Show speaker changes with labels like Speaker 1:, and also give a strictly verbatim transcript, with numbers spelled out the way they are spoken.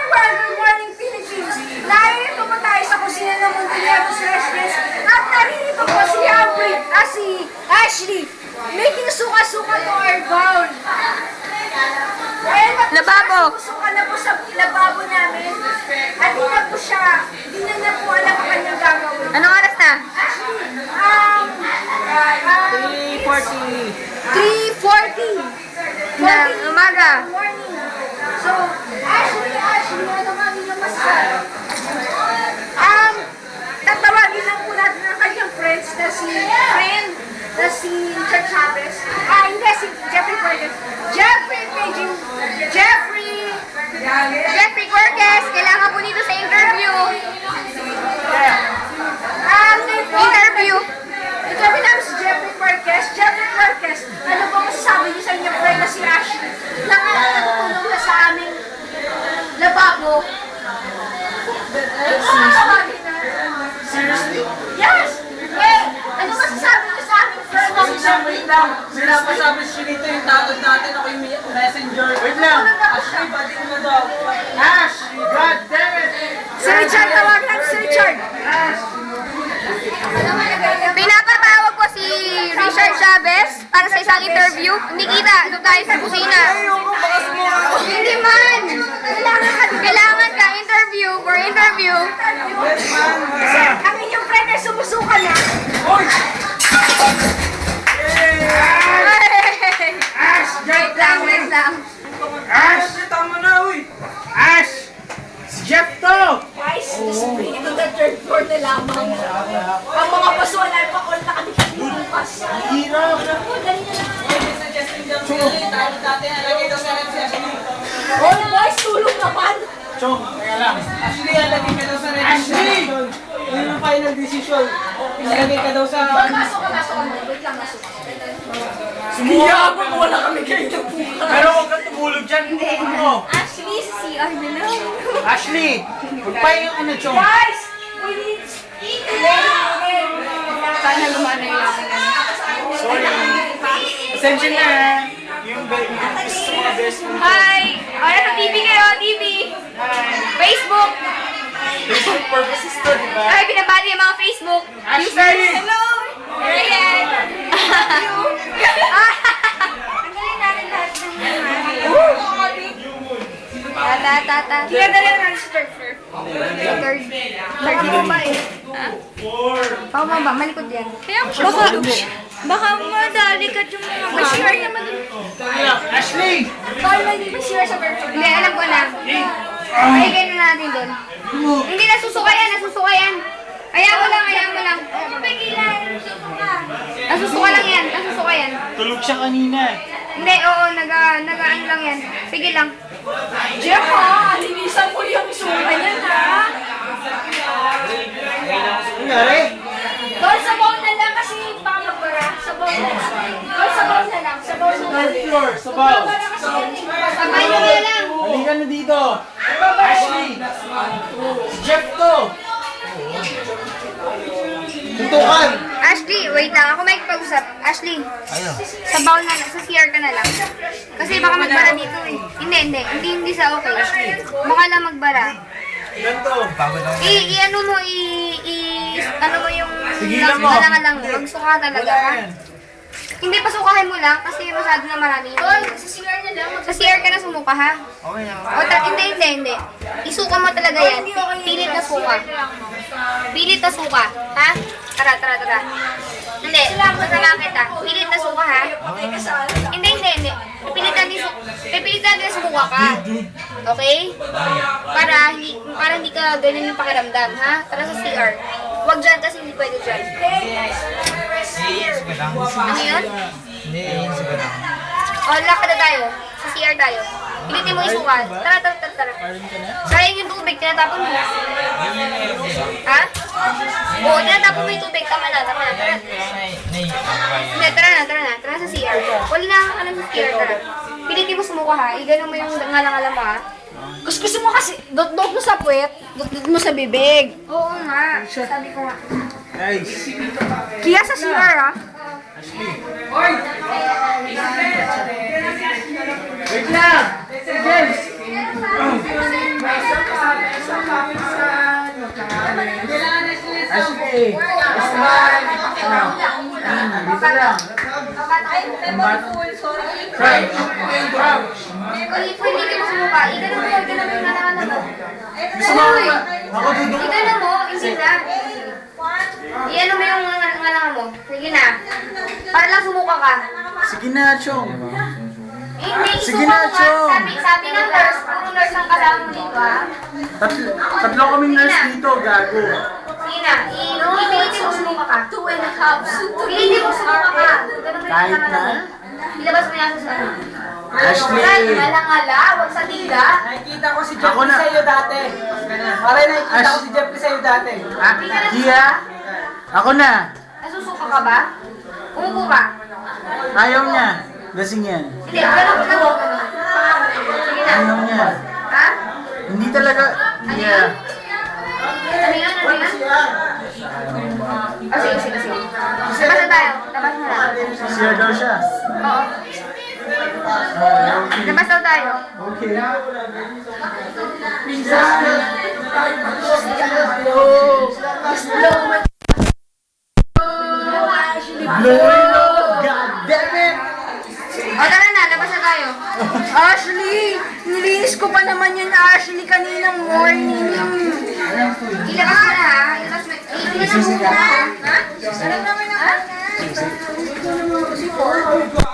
Speaker 1: everyone! Good morning, Philippines! Narito po tayo sa kusina ng Montillanos Restaurant at narito po si Aubrey at si Ashley making suka-suka to our bowl. Dahil ba't
Speaker 2: Lababo.
Speaker 1: suka na po sa lababo namin at di na po siya, di na na po alam ang kanyang gagawin.
Speaker 2: Anong oras na?
Speaker 1: Ashley, um, um,
Speaker 3: three forty.
Speaker 1: three forty.
Speaker 2: Na umaga.
Speaker 1: Morning. So, Ashley, Ashley, ano nga yung masasabi? Um, tatawagin lang po natin ang kanyang friends na si friend na si Chad Chavez. Ah, hindi, si Jeffrey Cortez. Jeffrey Paging, Jeffrey,
Speaker 2: Jeffrey Cortez, kailangan po dito sa interview.
Speaker 1: um,
Speaker 2: Interview.
Speaker 1: Interview namin si Jeffrey Cortez. Jeffrey Cortez, ano po masasabi niyo sa inyong friend na si Ashley? Na nga natutulong na sa aming lababo. Tatawagin na.
Speaker 3: Seriously?
Speaker 1: Yes! Eh, ano masasabi niyo sa aming friend na si Jeffrey?
Speaker 3: Wait lang. Sinapasabi si Chinito yung tawag natin. Ako yung messenger. Wait lang. Ashley, bading na daw. Ash! God damn it!
Speaker 1: Si Richard, tawag natin si Richard.
Speaker 2: Pinapatawag ko si Richard Chavez para sa isang interview. Hindi kita, doon tayo sa kusina. Hindi man. Kailangan ka, kailangan ka interview for interview.
Speaker 1: Ang inyong friend ay sumusuka na.
Speaker 3: Ash!
Speaker 2: Wait lang, wait lang.
Speaker 3: Ash! Tama na, uy! Ash! Si Jeff to!
Speaker 1: Guys, just bring it to the third floor na lamang. Ang mga pasuan ay pa all na kami kinilupas.
Speaker 3: Hirap!
Speaker 1: Dali na lang.
Speaker 3: Chong!
Speaker 1: All boys, tulong naman.
Speaker 3: Chong! Teka lang. Ashley, alagay ka daw sa red Ashley! Yun yung final decision. Ilagay ka daw sa...
Speaker 1: Pasok ka, pasok ka. Wait lang, pasok ka.
Speaker 3: Sumiyabang mo, wala kami kayo na Pero huwag kang tumulog dyan. Ano?
Speaker 2: Actually, si C R na lang.
Speaker 3: Ashley! Huwag pa yung ano, Chong.
Speaker 1: Guys, we need
Speaker 2: Sana lumana yung akin.
Speaker 3: Sorry. Ascension na. Yung be- yung gusto sa mga best friend.
Speaker 2: Hi! Oras sa T V kayo, T V. Facebook.
Speaker 3: Facebook purposes to, di ba?
Speaker 2: Ay, binabati yung mga Facebook users.
Speaker 3: Ashley!
Speaker 2: Hello! Ayan.
Speaker 1: Ang galing natin lahat ng
Speaker 2: Tata, tata.
Speaker 1: Kinadala na natin sa third floor.
Speaker 2: Third.
Speaker 1: Third floor ba eh?
Speaker 2: Pao mo ba? Malikod yan. Kaya baka, baka madali ka yung mga
Speaker 1: Mag-share naman dun.
Speaker 3: Ashley!
Speaker 1: Bawal ba hindi mag-share sa third floor?
Speaker 2: Hindi, alam ko na. Paigay na natin doon. Hindi, nasusuka yan, nasusuka yan. Kaya mo lang, kaya mo lang. Nasusuka lang yan, nasusuka yan.
Speaker 3: Tulog siya kanina.
Speaker 2: Hindi, oo, naga, naga, ano lang yan. Sige lang.
Speaker 1: Jeff ha, linisan mo yung suka niya ha.
Speaker 3: Nangyari?
Speaker 1: Doon sa bowl na lang kasi baka magbara. Sa bowl na lang. Doon sa bowl na lang. Sa bowl na lang.
Speaker 3: Third floor, sabaw.
Speaker 1: Magbara kasi yan eh.
Speaker 2: Sabay nyo na lang.
Speaker 3: Halika na dito. Ashley! Si Jeff to! Tutukan!
Speaker 2: Ashley, wait lang. Ako may pag-usap. Ashley, sa bowl na lang, sa C R ka na lang. Kasi baka magbara dito eh. Hindi, hindi. Hindi, hindi sa okay. Baka lang magbara.
Speaker 3: Ganto.
Speaker 2: I, i ano mo, i, i, ano mo yung
Speaker 3: Tigilan mo.
Speaker 2: lang lang, magsuka talaga ha. Hindi, pasukahin mo lang kasi masyado na marami.
Speaker 1: Doon, sa C R na lang.
Speaker 2: Sa C R ka na sumuka ha.
Speaker 3: Okay na.
Speaker 2: O, ta- hindi, hindi, hindi. Isuka mo talaga yan. Pilit na suka. Pilit na suka. Ha? Tara, tara, tara. Hindi, masama kita. Pilit na suka ha. Hindi, hindi, hindi. Pipilit natin su pipilit natin sumuka ka. Okay? Para hindi, para hindi ka ganyan yung pakiramdam, ha? Tara sa C R. Huwag dyan kasi hindi pwede dyan. Ano yun?
Speaker 3: Hindi, yun sa ganang.
Speaker 2: O, lakad na tayo. Sa C R tayo. Pilitin mo isuka. Tara, tara, tara, tara. Sayang yung tubig, tinatapon mo. Ha? Oo, tinatapon mo yung tubig. Tama na, tama na, tara. Hindi, tara na, tara na. Tara sa C R. Wala na ka lang sa C R, tara. Pilitin mo sumuka ha. Igano mo yung ngalang-alam mo ha.
Speaker 1: Gusto gusto mo kasi, dot-dot mo sa puwet, dot-dot mo sa bibig.
Speaker 2: Oo nga. Sabi ko nga.
Speaker 3: Guys.
Speaker 1: Kaya sa C R ah.
Speaker 3: Wait lang! James! eh. Smile. Dito lang.
Speaker 1: Ay, memory full, sorry.
Speaker 3: Crouch. Crouch.
Speaker 2: Uy, pwede ka mo sumuka. Igano mo, igano mo yung nalaman mo.
Speaker 3: Gusto mo ako? Ako duduk.
Speaker 2: Igano mo, hindi na. Iano mo yung ngalangan mo. Sige na. Para lang sumuka ka.
Speaker 4: Sige na, Chong.
Speaker 2: Eh, Hindi,
Speaker 4: Sige
Speaker 2: isuka
Speaker 4: na,
Speaker 2: mo nga.
Speaker 4: Chong.
Speaker 2: Sabi, sabi ng nurse, puro nurse ang kasama mo dito, ha?
Speaker 4: Tatlo, tatlo kaming nurse dito, gago.
Speaker 2: Sige na, i- ipilitin mo sumuka ka.
Speaker 1: Two and a half.
Speaker 2: Pilitin mo sumuka ka. Ganun mo yung
Speaker 4: Kahit
Speaker 2: ngalangan mo.
Speaker 4: na?
Speaker 2: Ilabas mo yan sa ano.
Speaker 4: Ashley!
Speaker 1: Malangala, wag sa tiga.
Speaker 3: Nakikita ko si
Speaker 4: Ako
Speaker 3: Jeffrey
Speaker 4: na.
Speaker 3: sa'yo dati. Pare, nakikita ko
Speaker 4: Ash-
Speaker 3: si Jeffrey sa'yo dati.
Speaker 4: Ah, Gia? Ako na.
Speaker 2: Nasusuka ka ba? Umupo ka.
Speaker 4: Ayaw niya. Lasing yan.
Speaker 2: Hindi, ganun ka mo. Sige na.
Speaker 4: Ayaw niya.
Speaker 2: Ha?
Speaker 4: Hindi talaga. Yeah.
Speaker 2: Ano yun? Ano yun? Ah, sige, sige, sige. Labas na tayo. Labas na lang.
Speaker 4: Siya daw siya.
Speaker 2: Oo. Labas daw tayo.
Speaker 4: Okay. Blowing up. God damn it!
Speaker 2: O, tara na. Labas na tayo.
Speaker 1: Ashley! Nilinis ko pa naman yun, Ashley, kaninang morning.
Speaker 2: Ilabas mo na, ha? Ilabas mo. Ilabas mo na. Ha?
Speaker 1: Alam naman na. Ha?